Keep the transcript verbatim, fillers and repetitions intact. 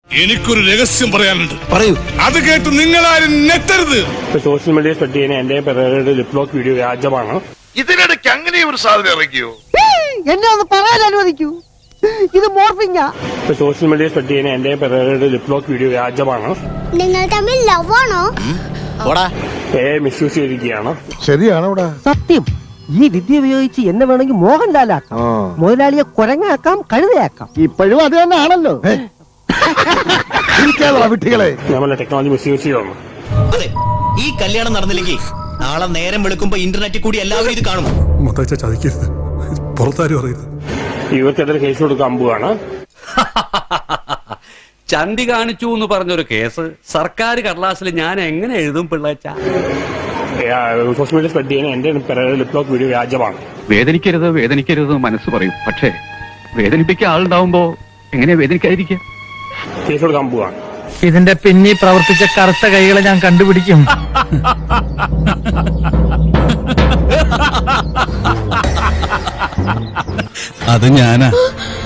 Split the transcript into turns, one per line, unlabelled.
എനിക്കൊരു രഹസ്യം പറയാനുണ്ട്.
പറയൂ.
അത് കേട്ട് നിങ്ങളാരും നെറ്റരുത്.
സോഷ്യൽ മീഡിയ സ്പ്രെഡ് ചെയ്യുന്ന എന്റെ പെരേരയുടെ ലിപ് ലോക്ക് വീഡിയോ വ്യാജമാണ്.
ഇതിനിടയ്ക്ക് അങ്ങനെ ഒരു സാധനം ഇറക്കിയോ?
എന്നെ ഒന്ന് പറയാൻ അനുവദിക്കൂ. ഇത് മോർഫിംഗാ.
സോഷ്യൽ മീഡിയ സ്പ്രെഡ് ചെയ്യുന്ന എന്റെ പെരേരയുടെ ലിപ് ലോക്ക് വീഡിയോ വ്യാജമാണ്.
നിങ്ങൾ തമ്മിൽ ലവ് ആണോ?
എ മിസ്യൂസ് ചെയ്തിരിക്കുകയാണ്.
ശരിയാണോ?
സത്യം. ഈ വിദ്യ ഉപയോഗിച്ച് എന്നെ വേണമെങ്കിൽ മോഹൻലാലാക്കാം, മുതലാളിയെ കുരങ്ങാക്കാം, കഴുതയാക്കാം. ഇപ്പോഴും അത് തന്നെ ആണല്ലോ.
വിട്ടികളെ
നമ്മളെ ടെക്നോളജി മിസ്യൂസ് ചെയ്യുന്നു.
അതെ, ഈ കല്യാണം നടന്നില്ലെങ്കിൽ നാളെ നേരം വെളുക്കുമ്പോ ഇന്റർനെറ്റിൽ കൂടി എല്ലാവരും ഇത് കാണും.
ചതിക്കരുത്, പുറത്താരും അറിയരുത്.
ഇവർക്കെതിരെ കേസ് കൊടുക്കാൻ പോവാണ്.
ചന്തി കാണിച്ചു എന്ന് പറഞ്ഞൊരു കേസ് സർക്കാർ കടലാസിൽ ഞാൻ എങ്ങനെ എഴുതും പിള്ളേച്ച?
സോഷ്യൽ മീഡിയ സ്പ്രെഡ് ചെയ്യുന്ന എന്റെ പെരേരയുടെ ലിപ് ലോക്ക് വീഡിയോ വ്യാജമാണ്.
വേദനിക്കരുത് വേദനിക്കരുത് മനസ്സ് പറയും, പക്ഷേ വേദനിപ്പിക്കാൻ ആളുണ്ടാവുമ്പോ എങ്ങനെയാ വേദനിക്കാതിരിക്കുക?
കേസ് കൊടുക്കാൻ പോവാണ്.
ഇതിന്റെ പിന്നിൽ പ്രവർത്തിച്ച കറുത്ത കൈകളെ ഞാൻ കണ്ടുപിടിക്കും.
അത് ഞാനാ.